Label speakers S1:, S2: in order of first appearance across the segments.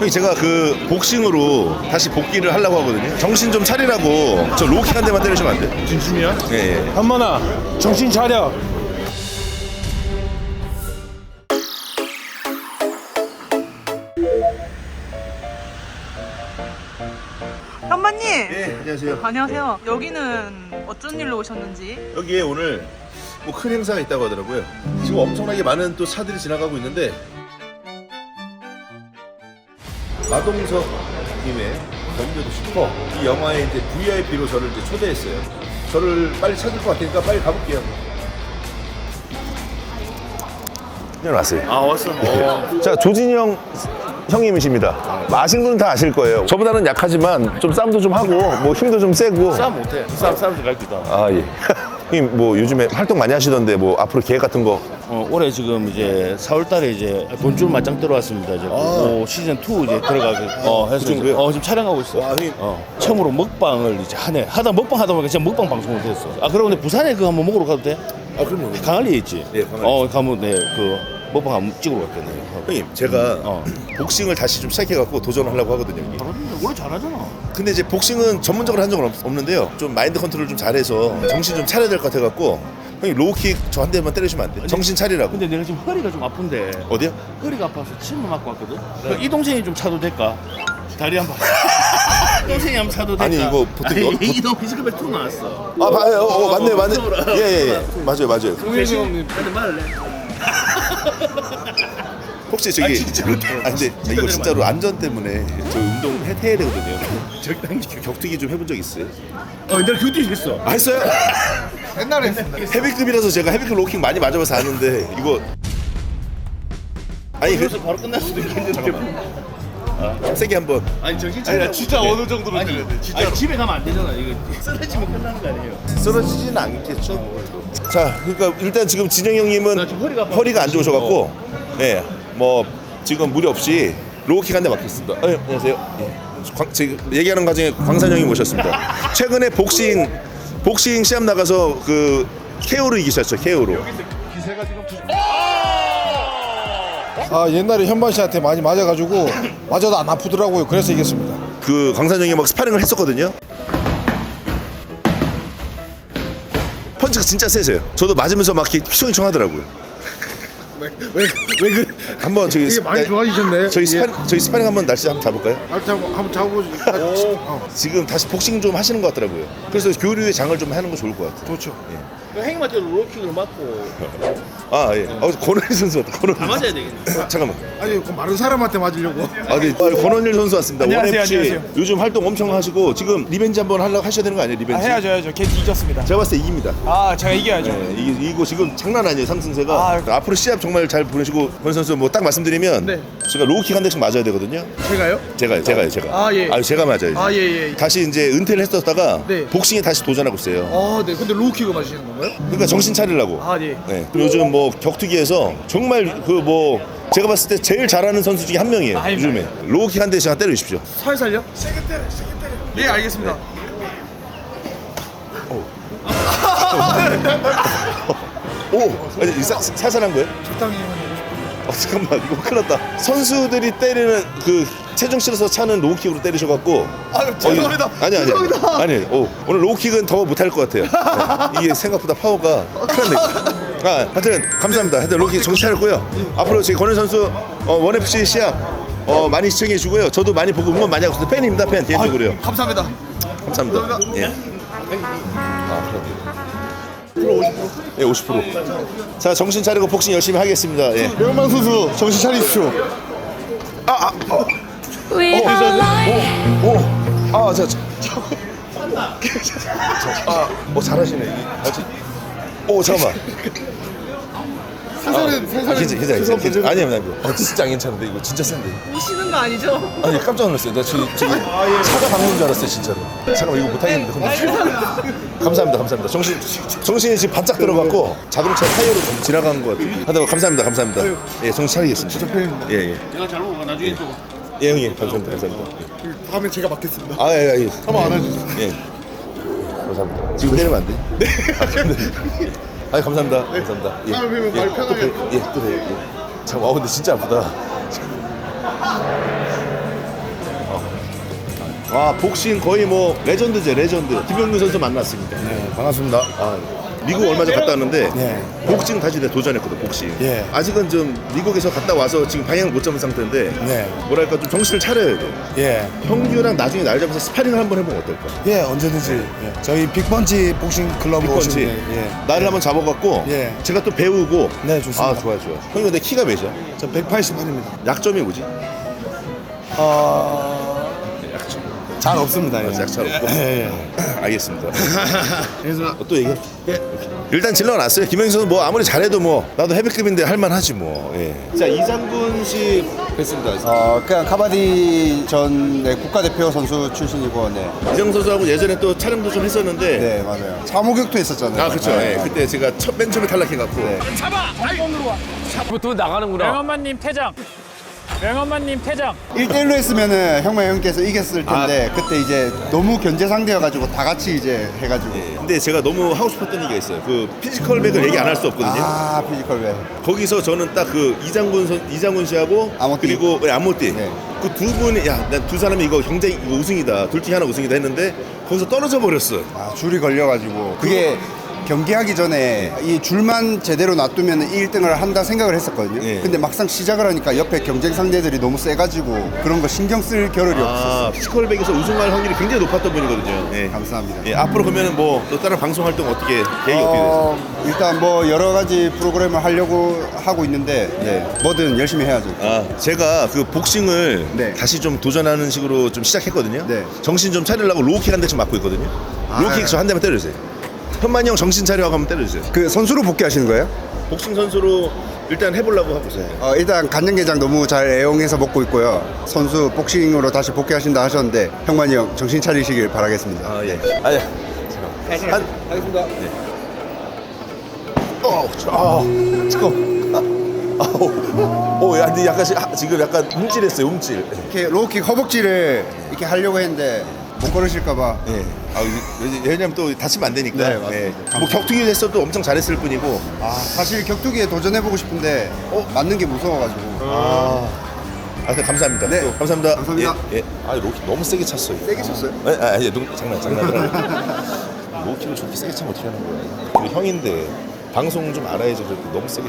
S1: 형님 제가 그 복싱으로 다시 복귀를 하려고 하거든요. 정신 좀 차리라고 저 로킥 한 대만 때리시면 안 돼요?
S2: 진심이야?
S1: 예.
S2: 한번아 정신 차려.
S3: 현마님!
S1: 네, 안녕하세요.
S3: 안녕하세요. 여기는 어쩐 일로 오셨는지?
S1: 여기에 오늘 뭐 큰 행사가 있다고 하더라고요. 지금 엄청나게 많은 또 차들이 지나가고 있는데 마동석 님의 범죄도 슈퍼 이 영화에 이제 VIP로 저를 이제 초대했어요. 저를 빨리 찾을 것 같으니까 빨리 가볼게요. 그냥 왔어요.
S2: 아 왔어.
S1: 자, 조진영 형님이십니다. 아시는 분은 다 아실 거예요. 저보다는 약하지만 좀 싸움도 좀 하고 뭐 힘도 좀 세고.
S2: 싸움 못해. 싸움 갈 기다.
S1: 아 예. 형님 뭐 요즘에 활동 많이 하시던데 뭐 앞으로 계획 같은 거.
S2: 올해 지금 이제 4월달에 이제 돈줄 맞짱 들어왔습니다. 이제 시즌 2 이제 들어가게 해서
S1: 그 정도요?
S2: 지금 촬영하고 있어.
S1: 와, 형님.
S2: 처음으로 먹방을 이제 하네. 먹방 하다 보니까 진짜 먹방 방송을 했어. 아 그럼 근데 부산에 그거 한번 먹으러 가도 돼?
S1: 아 그럼요.
S2: 강할리에 있지.
S1: 네, 강할리.
S2: 가면 그 먹방 한번 찍으러 갔겠네요.
S1: 형님 제가 복싱을 다시 좀 시작해갖고 도전하려고 하거든요. 형님.
S2: 원래 잘하잖아.
S1: 근데 이제 복싱은 전문적으로 한 적은 없는데요. 좀 마인드 컨트롤 좀 잘해서 정신 좀 차려야 될 것 같아갖고 형님 로우킥 저 한 대만 때리시면 안 돼? 정신 차리라고.
S2: 근데 내가 지금 허리가 좀 아픈데.
S1: 어디야?
S2: 허리가 아파서 침을 맞고 왔거든. 이 동생이 좀 차도 될까? 다리 한 번. 이 동생이 한번 차도 될까?
S1: 아니, 이거 보통
S2: 이 동생 피지컬백 2 나왔어.
S1: 아 봐요. 맞네. 예. 맞아요.
S2: 동생님 근데 말을 해.
S1: 혹시 저기 근데 이거 진짜로 안전 때문에 저 운동 해야 되거든요.
S2: 적당히.
S1: 격투기 좀 해본 적 있어요?
S2: 내가 교대 했어.
S1: 아 했어요? 옛날에 헤비급이라서 제가 헤비급 로킹 많이 맞아봐서 아는데 이거 아니
S2: 그래서 바로 끝날 수도 있겠는데.
S1: 세게 한번.
S2: 아니 정신 차려.
S4: 진짜 어느 정도로
S2: 아니,
S4: 때려야 돼, 진짜로.
S2: 아니, 집에 가면 안 되잖아. 이거 쓰러지면 끝나는 거 아니에요.
S1: 쓰러지지는 않겠죠. 자, 그러니까 일단 지금 진영 형님은
S2: 나 지금 허리가 아파.
S1: 허리가 안 좋으셔갖고, 네, 뭐 지금 무리 없이 로우킥 한 대 맞겠습니다. 안녕하세요. 예. 지금 얘기하는 과정에 광산 형님 모셨습니다. 최근에 복싱 시합 나가서 그 KO로 이기셨죠, KO로.
S4: 아 옛날에 현반 씨한테 많이 맞아가지고 맞아도 안 아프더라고요. 그래서 이겼습니다.
S1: 그 광산 형이 막 스파링을 했었거든요. 펀치가 진짜 세세요. 저도 맞으면서 막 이렇게 휘청휘청하더라고요.
S4: 왜 그?
S1: 한번 저기
S4: 이게 많이 좋아지셨네.
S1: 저희 스파링 한번 날씨 한번 잡을까요?
S4: 한번 잡아보지.
S1: 지금 다시 복싱 좀 하시는 것 같더라고요. 그래서 교류의 장을 좀 하는 거 좋을 것 같아요.
S4: 좋죠.
S2: 행님한테 로킥을 맞고
S1: 아 예. 권원일 선수 왔다.
S2: 다 맞아야 되겠네.
S1: 잠깐만.
S4: 아니 그 마른 사람한테 맞으려고.
S1: 권원일 선수 왔습니다.
S5: 안녕하세요,
S1: 원FC
S5: 안녕하세요.
S1: 요즘 활동 엄청 하시고 지금 리벤지 한번 하셔야 되는 거 아니에요? 리벤지.
S5: 해야죠. 걔 뒤졌습니다.
S1: 제가 봤을 때 이깁니다.
S5: 아, 제가 이겨야죠.
S1: 네, 이거 지금 장난 아니에요, 상승세가. 앞으로 시합 정말 잘 보내시고 권 선수 뭐 딱 말씀드리면
S5: 네.
S1: 제가 로우킥 한 대씩 맞아야 되거든요.
S5: 제가요?
S1: 제가요.
S5: 아, 예.
S1: 제가 맞아요.
S5: 아, 예.
S1: 다시 이제 은퇴를 했었다가
S5: 네.
S1: 복싱에 다시 도전하고 있어요.
S5: 아, 네. 근데 로우킥을 맞으시는 건가요?
S1: 그러니까 정신 차리려고.
S5: 아, 네.
S1: 네. 요즘 뭐 격투기에서 정말 그 뭐 제가 봤을 때 제일 잘하는 선수 중에 한 명이에요.
S5: 아,
S1: 요즘에 로우킥 한 대씩 때려주십시오.
S5: 살살요? 세게 때려. 네, 알겠습니다.
S1: 오, 아니 살살한 거예요?
S5: 적당히.
S1: 잠깐만 이거 큰일 났다. 선수들이 때리는 그 체중 실어서 차는 로우킥으로 때리셔갖고.
S5: 죄송합니다.
S1: 아니.
S5: 죄송합니다.
S1: 아니. 오늘 로우킥은 더 못할 것 같아요. 네. 이게 생각보다 파워가 큰일 났네. 하여튼 감사합니다. 하여튼 로우킥 정신 차렸고요. 앞으로 저희 권은 선수 원FC 시합 많이 시청해 주고요. 저도 많이 보고 응원 많이 하고 있어요. 팬입니다. 팬 개인적으로요.
S5: 감사합니다.
S1: 감사합니다. 예. 예, 50%. 자, 정신 차리고 복싱 열심히 하겠습니다. 예.
S4: 명만 선수 정신 차리십시오.
S6: We are like
S1: 잘하시네. 잠깐만. 괜찮아. 아니야. 진짜 안 괜찮은데 이거 진짜 센데.
S3: 우시는 거 아니죠?
S1: 아니 깜짝 놀랐어요. 나 저기 차가 박는 줄 알았어요, 진짜로. 잠깐만 이거 못 하겠는데. 감사합니다. 정신이 지금 바짝 들어갔고 자동차 타이어로 지나간 것 같아요. 하다가 감사합니다. 예, 정신 차리겠습니다. 예.
S2: 내가 잘 먹어. 나중에 또.
S1: 예, 형님. 감사합니다.
S4: 다음에 제가 맡겠습니다.
S1: 예.
S4: 한번 안아주세요.
S1: 예. 감사합니다. 지금 때리면 안 돼? 네. 감사합니다. 감사합니다. 예.
S4: 다음에 뵈면 말 편하게.
S1: 또 봬요. 예. 잠깐만, 근데 진짜 아프다. 와 복싱 거의 뭐 레전드죠 레전드. 김영민 선수 만났습니다.
S4: 네, 반갑습니다.
S1: 아, 미국 얼마 전 갔다 왔는데
S4: 네.
S1: 복싱 다시 내가 도전했거든 복싱.
S4: 예.
S1: 아직은 좀 미국에서 갔다 와서 지금 방향을 못 잡은 상태인데
S4: 네.
S1: 뭐랄까 좀 정신을 차려야 돼.
S4: 예.
S1: 형규랑 나중에 날 잡아서 스파링을 한번 해보면 어떨까?
S4: 예, 언제든지. 예. 저희 빅펀치 복싱 클럽
S1: 빅펀치
S4: 오시면 예.
S1: 나를 한번 잡아갖고
S4: 예.
S1: 제가 또 배우고.
S4: 네, 좋습니다.
S1: 아 좋아. 형님 근데 키가 몇이야?
S4: 저 180만입니다.
S1: 약점이 뭐지? 약점.
S4: 잘 없습니다. 예.
S1: 약점 없고.
S4: 예, 예.
S1: 알겠습니다. 또 얘기해. 일단 질러놨어요. 김영희 선수 뭐 아무리 잘해도 뭐 나도 헤비급인데 할만하지 뭐. 예. 자 이장군 씨 뵀습니다.
S6: 그냥 카바디 전 국가대표 선수 출신이고, 네.
S1: 이장 선수하고 예전에 또 촬영도 좀 했었는데.
S6: 네, 맞아요. 사무격투 했었잖아요.
S1: 아 그렇죠.
S6: 네,
S1: 예. 그때 제가 맨 처음에 탈락해갖고.
S6: 네.
S7: 명엄마님 퇴장. 명엄마님 퇴장.
S6: 1대1로 했으면은 형님께서 이겼을 텐데, 그때 이제 너무 견제 상대여가지고 다 같이 이제 해가지고.
S1: 예. 근데 제가 너무 하고 싶었던 얘기가 있어요. 그 피지컬백을 얘기 안 할 수 없거든요.
S6: 아, 피지컬 왜.
S1: 거기서 저는 딱 그 이장군 씨하고
S6: 아모띠.
S1: 그리고 암모띠
S6: 네.
S1: 그 두 분이 야 난 두 사람이 이거 경쟁 이거 우승이다 둘 중에 하나 우승이다 했는데 거기서 떨어져 버렸어.
S6: 아, 줄이 걸려가지고. 그게 경기하기 전에 이 줄만 제대로 놔두면 1등을 한다 생각을 했었거든요.
S1: 예.
S6: 근데 막상 시작을 하니까 옆에 경쟁 상대들이 너무 세가지고 그런 거 신경 쓸 겨를이 없었어요.
S1: 아 피지컬백에서 우승할 확률이 굉장히 높았던 분이거든요. 예.
S6: 감사합니다.
S1: 예, 앞으로 그러면은 뭐 또 다른 방송 활동 어떻게 계획이 어떻게 되세요?
S6: 일단 뭐 여러 가지 프로그램을 하려고 하고 있는데 뭐든 열심히 해야죠.
S1: 아 제가 그 복싱을
S6: 네.
S1: 다시 좀 도전하는 식으로 좀 시작했거든요.
S6: 네.
S1: 정신 좀 차리려고 로우킥 한 대씩 맞고 있거든요. 로우킥 저 한 대만 때려주세요. 현만이 형 정신 차려 하고 한번 때려주세요.
S6: 그 선수로 복귀하시는 거예요?
S1: 복싱 선수로 일단 해보려고 하고 있어요.
S6: 일단 간장게장 너무 잘 애용해서 먹고 있고요. 선수 복싱으로 다시 복귀하신다 하셨는데 형만이 형 정신 차리시길 바라겠습니다.
S1: 아 예. 아 예. 하겠습니다. 네. 잠깐. 아우. 야, 근데 약간 지금 약간 움찔했어요, 움찔.
S6: 이렇게 로우킥 허벅지를 이렇게 하려고 했는데 못 걸으실까봐.
S1: 예. 아, 왜냐면 또 다치면 안 되니까.
S6: 네, 맞습니다.
S1: 예. 뭐 격투기 했어도 엄청 잘했을 뿐이고.
S6: 사실 격투기에 도전해보고 싶은데 맞는 게 무서워가지고.
S1: 네, 감사합니다.
S6: 네.
S1: 또 감사합니다.
S6: 감사합니다.
S1: 예. 예. 아, 로킥 너무 세게 찼어요.
S6: 세게 쳤어요?
S1: 예, 장난. 로킥을 저렇게 세게 차면 어떻게 하는 거야? 그리고 형인데 방송 좀 알아야죠. 저렇게 너무 세게.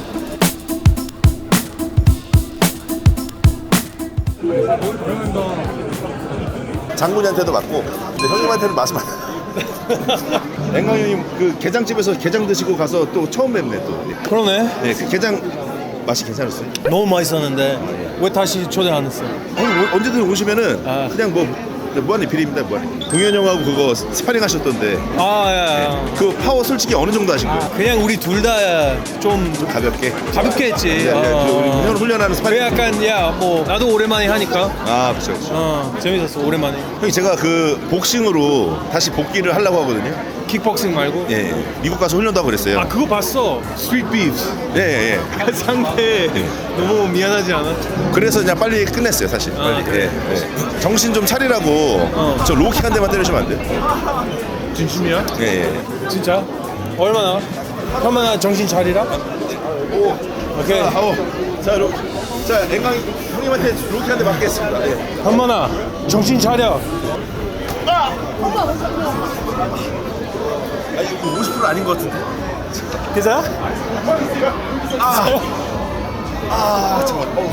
S1: 장군이한테도 맞고, 근데 형님한테는 맛이 많아. 앵강 형님 그 게장집에서 게장 드시고 가서 또 처음 뵙네 또.
S7: 그러네.
S1: 예, 그 게장 맛이 괜찮았어요.
S7: 너무 맛있었는데 왜 다시 초대 안 했어요?
S1: 언제든 오시면은
S7: 아.
S1: 그냥 뭐 무한의 비리입니다 무한의. 동현 형하고 그거 스파링 하셨던데
S7: 야.
S1: 그 파워 솔직히 어느 정도 하신 거예요?
S7: 그냥 우리 둘 다 좀
S1: 좀 가볍게.
S7: 가볍게 했지.
S1: 그 형 훈련하는
S7: 그
S1: 스파링.
S7: 약간 뭐 나도 오랜만에 하니까
S1: 아 그렇죠.
S7: 재밌었어 오랜만에.
S1: 형이 제가 그 복싱으로 다시 복귀를 하려고 하거든요.
S7: 킥복싱 말고.
S1: 예, 예. 미국 가서 훈련도 하고 그랬어요.
S7: 아 그거 봤어. 스트리트 비프.
S1: 예.
S7: 상대 너무 미안하지 않아?
S1: 그래서 그냥 빨리 끝냈어요 사실. 빨리.
S7: 그래?
S1: 예. 정신 좀 차리라고 저 로킥 한 대만 때려주면 안 돼요?
S7: 진심이야?
S1: 예.
S7: 진짜? 얼마나? 얼마나 정신 차리라? 오케이.
S1: 자, 앵강 형님한테 로킥 한 대 맞겠습니다. 예.
S7: 한번아 정신 차려.
S1: 아, 이거 50% 아닌 것 같은데.
S7: 괜찮아?
S1: 잠깐만.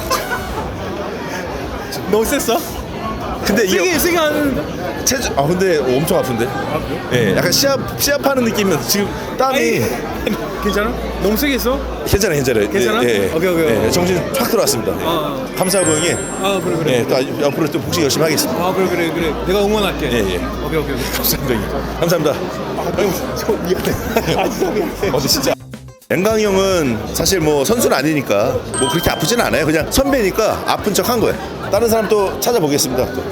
S7: 너무 셌어?
S1: 근데 이게
S7: 세게 하는데?
S1: 근데 엄청 아픈데. 예, 약간 시합하는 느낌이면 지금 땀이.
S7: 괜찮아? 너무 세게 했어?
S1: 괜찮아요.
S7: 괜찮아?
S1: 예.
S7: 오케이.
S1: 예, 정신 확 들어왔습니다. 감사하고 형님.
S7: 그래.
S1: 예, 또 앞으로 또 복싱 열심히 하겠습니다.
S7: 그래. 내가 응원할게.
S1: 예.
S7: 오케이.
S1: 감사합니다. 형님. 감사합니다. 미안해. 진짜. 앵강이 형은 사실 뭐 선수는 아니니까 뭐 그렇게 아프진 않아요. 그냥 선배니까 아픈 척 한 거예요. 다른 사람 또 찾아보겠습니다. 또.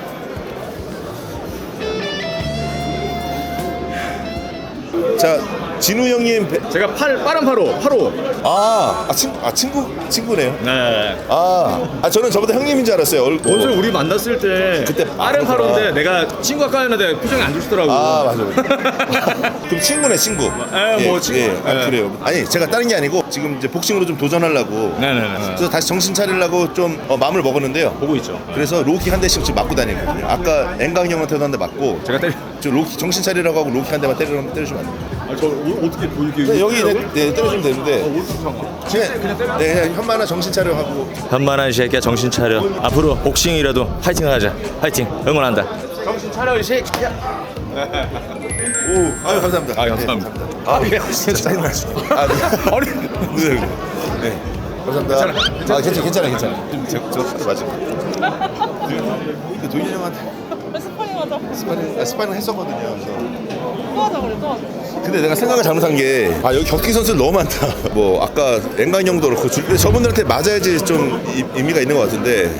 S1: 자, 진우 형님
S2: 제가 빠른 8호.
S1: 친구네요.
S2: 네.
S1: 저는 저보다 형님인 줄 알았어요.
S2: 어제 우리 만났을 때
S1: 그때
S2: 빠른 8호인데 내가 친구 아까 했는데 표정이 안 좋시더라고.
S1: 맞아요. 그럼 친구네, 친구.
S2: 뭐 친구.
S1: 그래요. 아니, 제가 다른 게 아니고 지금 이제 복싱으로 좀 도전하려고.
S2: 네네네.
S1: 그래서 다시 정신 차리려고 좀 마음을 먹었는데요.
S2: 보고 있죠.
S1: 그래서 로키 한 대씩 지금 맞고 다니거든요. 아까 앵강 형한테도 한 대 맞고.
S2: 제가 때리.
S1: 저 로키 정신 차리라고 하고 로키 한 대만 때리시면 안 돼요.
S2: 저 어떻게 보이게?
S1: 네, 여기 때려주면 되는데. 그냥 현만아 정신 차려 하고.
S8: 현만한 이 새끼야 정신 차려. 앞으로 복싱이라도 화이팅하자. 화이팅. 응원한다.
S2: 정신 차려 이 새끼야.
S1: 아유 감사합니다.
S2: 감사합니다.
S1: 진짜 짜증나시. 네. 감사합니다. 괜찮아. 저 하도 맞은 거. 도윤이 형한테 스파링 했었거든요. 그래서.
S3: 또 하자 그래, 또 하자.
S1: 근데 내가 생각을 잘못한 게 여기 격투기 선수들 너무 많다. 뭐 아까 앵강 형도 그렇고 저분들한테 맞아야지 좀 의미가 있는 것 같은데.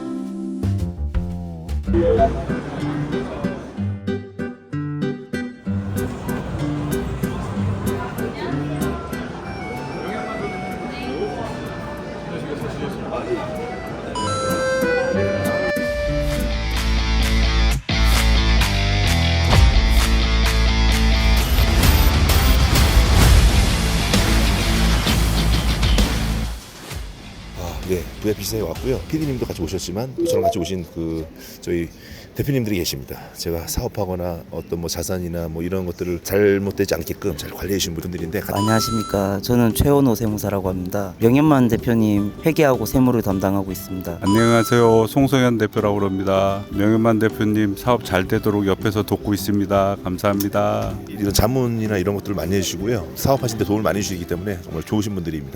S1: 네, VIP실에 왔고요. PD님도 같이 오셨지만 저랑 같이 오신 저희 대표님들이 계십니다. 제가 사업하거나 어떤 뭐 자산이나 뭐 이런 것들을 잘못되지 않게끔 잘 관리해 주신 분들인데
S9: 안녕하십니까. 저는 최원호 세무사라고 합니다. 명현만 대표님 회계하고 세무를 담당하고 있습니다.
S10: 안녕하세요. 송성현 대표라고 합니다. 명현만 대표님 사업 잘 되도록 옆에서 돕고 있습니다. 감사합니다.
S1: 이런 자문이나 이런 것들을 많이 해주시고요. 사업하실 때 도움을 많이 주시기 때문에 정말 좋으신 분들입니다.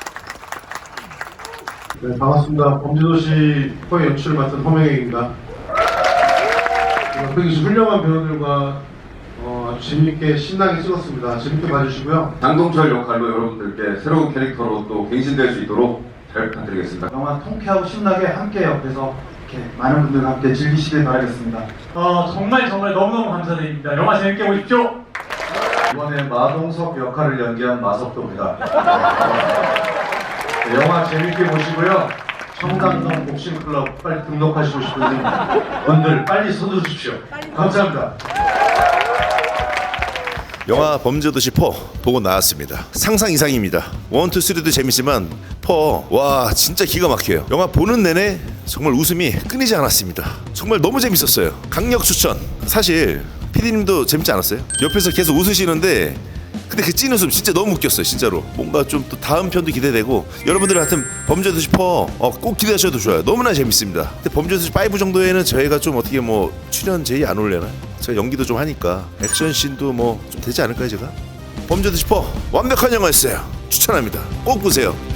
S11: 네, 반갑습니다. 범죄도시 포의 연출을 맡은 허명익입니다. 옆에 훌륭한 배우들과 아주 재미있게 신나게 찍었습니다. 재밌게 봐주시고요.
S12: 장동철 역할로 여러분들께 새로운 캐릭터로 또 갱신될 수 있도록 잘 부탁드리겠습니다.
S11: 영화 통쾌하고 신나게 함께 옆에서 이렇게 많은 분들과 함께 즐기시길 바라겠습니다.
S13: 정말 너무너무 감사드립니다. 영화 재밌게 보십시오.
S11: 이번에 마동석 역할을 연기한 마석도입니다. 영화 재밌게 보시고요. 청담동 복싱클럽 빨리 등록하시고 싶은 분들 빨리 서두르십시오. 감사합니다.
S1: 영화 범죄도시 4 보고 나왔습니다. 상상 이상입니다. 1, 2, 3도 재밌지만 4, 와 진짜 기가 막혀요. 영화 보는 내내 정말 웃음이 끊이지 않았습니다. 정말 너무 재밌었어요. 강력 추천. 사실 PD님도 재밌지 않았어요? 옆에서 계속 웃으시는데 근데 그 찐 웃음 진짜 너무 웃겼어요. 진짜로 뭔가 좀 또 다음 편도 기대되고 여러분들 같은 범죄도시 4 꼭 기대하셔도 좋아요. 너무나 재밌습니다. 근데 범죄도시 5 정도에는 저희가 좀 어떻게 뭐 출연 제의 안 올려나? 제가 연기도 좀 하니까 액션씬도 뭐 좀 되지 않을까요 제가? 범죄도시 4 완벽한 영화였어요. 추천합니다. 꼭 보세요.